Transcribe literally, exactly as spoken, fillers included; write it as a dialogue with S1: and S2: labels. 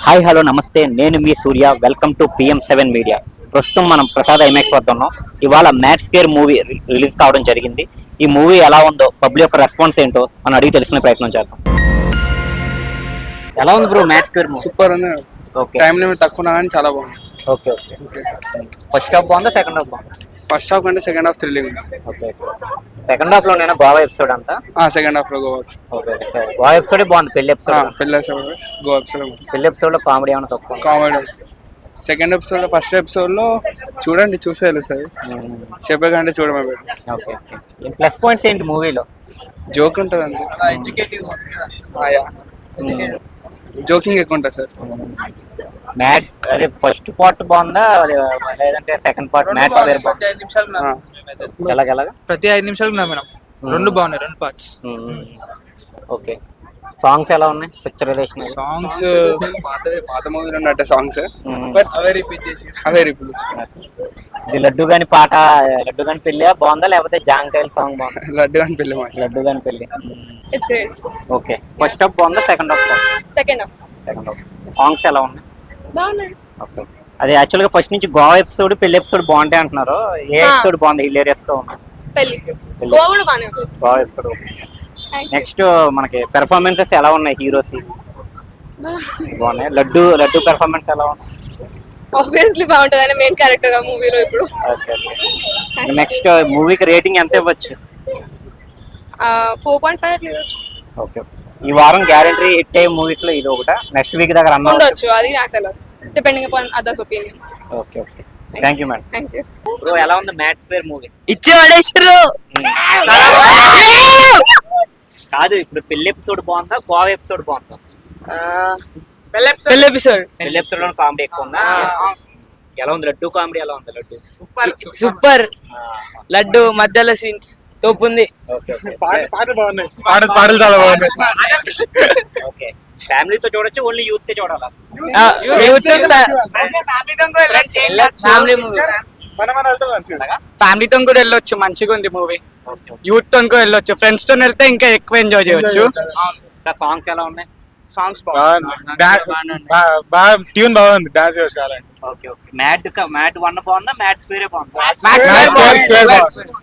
S1: Hi hello namaste, నేను మీ Surya. Welcome to PM seven media. ప్రస్తుతం మనం ప్రసాద్ ఐమాక్స్ వద్ద ఉన్నాం. ఇవాళ మ్యాక్స్ కేర్ మూవీ రిలీజ్ కావడం జరిగింది. ఈ మూవీ ఎలా ఉందో, పబ్లిక్ యొక్క రెస్పాన్స్ ఏంటో మనం అడిగి తెలుసుకునే ప్రయత్నం చేద్దాం. ఎలా ఉంది బ్రో మ్యాక్స్ కేర్ మూవీ?
S2: సూపర్ ఉంది.
S1: ఓకే,
S2: టైం లిమిట్ తక్కువ ఉన్నా కానీ చాలా బాగుంది.
S1: ఓకే ఓకే ఫస్ట్ హాఫ్ బాగుందా, సెకండ్ హాఫ్ బాగుందా?
S2: ఫస్ట్ హాఫ్ కంటే సెకండ్ హాఫ్ థ్రిల్లింగ్ ఉంది.
S1: ఓకే, సెకండ్ హాఫ్ లో నేను గోవా ఎపిసోడ్ అంతా.
S2: సెకండ్ హాఫ్ లో గోవా
S1: ఓకే, గోవా ఎపిసోడ్ బాగుంది. పెళ్లి ఎపిసోడ్
S2: పెళ్ళి గోవా ఎపిసోడ్
S1: పెళ్లి ఎపిసోడ్ లో కామెడీ ఏమైనా తక్కువ?
S2: కామెడీ. సెకండ్ ఎపిసోడ్ లో ఫస్ట్ ఎపిసోడ్ లో చూడండి, చూసే తెలుస్తుంది. చెప్పే కంటే చూడమే better.
S1: Okay okay plus points ఏంటి మూవీలో?
S2: జోక్ ఉంటుంది అంతే. జోకింగ్ ఎక్కువ ఉంటుంది సార్.
S1: మ్యాట్ అదే ఫస్ట్ పార్ట్ బాగుందా లేదంటే సెకండ్ పార్ట్? మ్యాట్ ఎలాగెలాగా
S3: ప్రతి ఐదు నిమిషాలకు మేడం రెండు బాగున్నాయి, రెండు పార్ట్స్.
S1: ఓకే, సాంగ్స్ ఎలా ఉన్నాయి? పిక్చరైజేషన్
S2: సాంగ్స్ పాత మూవీలో ఉన్నట్టే సాంగ్స్, బట్ అవే రిపీట్ చేసి అవే రిపీట్.
S1: ఇది లడ్డు గాని పాట, లడ్డు గాని పెళ్లి బాగుందా లేకపోతే జాంకాయల సాంగ్ బాగుందా?
S2: లడ్డు గాని పెళ్లి మాట.
S1: లడ్డు గాని పెళ్లి.
S4: It's great.
S1: Okay, first half బాగుందా, సెకండ్ హాఫ్ బాగుందా?
S4: Second half.
S1: Second half. Songs ఎలా ఉన్నాయి?
S4: బాగున్నాయి.
S1: ఓకే, అది యాక్చువల్ గా ఫస్ట్ నుంచి గోవా ఎపిసోడ్ పెళ్లి ఎపిసోడ్ బాగుంటాయి అంటున్నారు. ఏ ఎపిసోడ్ బాగుంది? హిలేరియస్ గా ఉంది.
S4: పెళ్లి గోవా కూడా బాగానే ఉంది.
S1: గోవా ఎపిసోడ్. నెక్స్ట్ మనకి పెర్ఫార్మెన్సెస్ ఎలా ఉన్నాయి? హీరోస్ బాగున్నాయి. లడ్డు లడ్డు పెర్ఫార్మెన్స్ ఎలా ఉంది?
S4: ఆబ్వియస్లీ బాగుంటుంది, ఆయన మెయిన్ క్యారెక్టర్ గా మూవీలో ఇప్పుడు.
S1: ఓకే, నెక్స్ట్ మూవీకి రేటింగ్ ఎంత ఇవ్వచ్చు?
S4: ఫోర్ పాయింట్ ఫైవ్ అట్లా ఇవ్వచ్చు.
S1: ఓకే, ఈ వారం గ్యారెంటీ హిట్ అయ్యే మూవీస్ లో ఇది ఒకట. నెక్స్ట్ వీక్ దగ్గర అన్న
S4: ఉండొచ్చు, అది నాకు తెలియదు, depending upon others opinions.
S1: Okay okay thank you madam.
S4: Thank you
S1: bro, ఎలా ఉంది మ్యాట్స్ పేర్ మూవీ?
S3: ఇచ్చే పడేసారు
S1: కాదు, ఇప్పుడు పెళ్లి ఎపిసోడ్ బాగుందా, గోవా ఎపిసోడ్ బాగుందా?
S3: పెళ్లి ఎపిసోడ్
S1: పెళ్లి ఎపిసోడ్ లో కామెడీ ఎక్కువ ఉందా? ఎలా ఉంది లడ్డు కామెడీ? ఎలా ఉంది లడ్డు?
S3: సూపర్. లడ్డు మధ్యలో సీన్స్ తోపు ఉంది.
S1: ఓకే
S2: పాటలు బాగున్నాయి. పాటలు చాలా బాగున్నాయి.
S1: ఓకే, ఫ్యామిలీతో చూడొచ్చు, ఓన్లీ యూత్ తో చూడాలా?
S3: ఫ్యామిలీ మూవీ, ఫ్యామిలీతో కూడా వెళ్ళొచ్చు, మంచిగా ఉంది మూవీ. యూత్ తో కూడా వెళ్ళొచ్చు, ఫ్రెండ్స్ తో వెళ్తే ఇంకా ఎక్కువ ఎంజాయ్ చేయొచ్చు.
S1: సాంగ్స్ ఎలా ఉన్నాయి?
S3: సాంగ్స్
S2: ట్యూన్ బాగుంది, డాన్స్ చేసుకోవాలండి.
S1: Okay okay Mad Mad one బాగుందా, మ్యాట్స్ పేరే బాగుందా?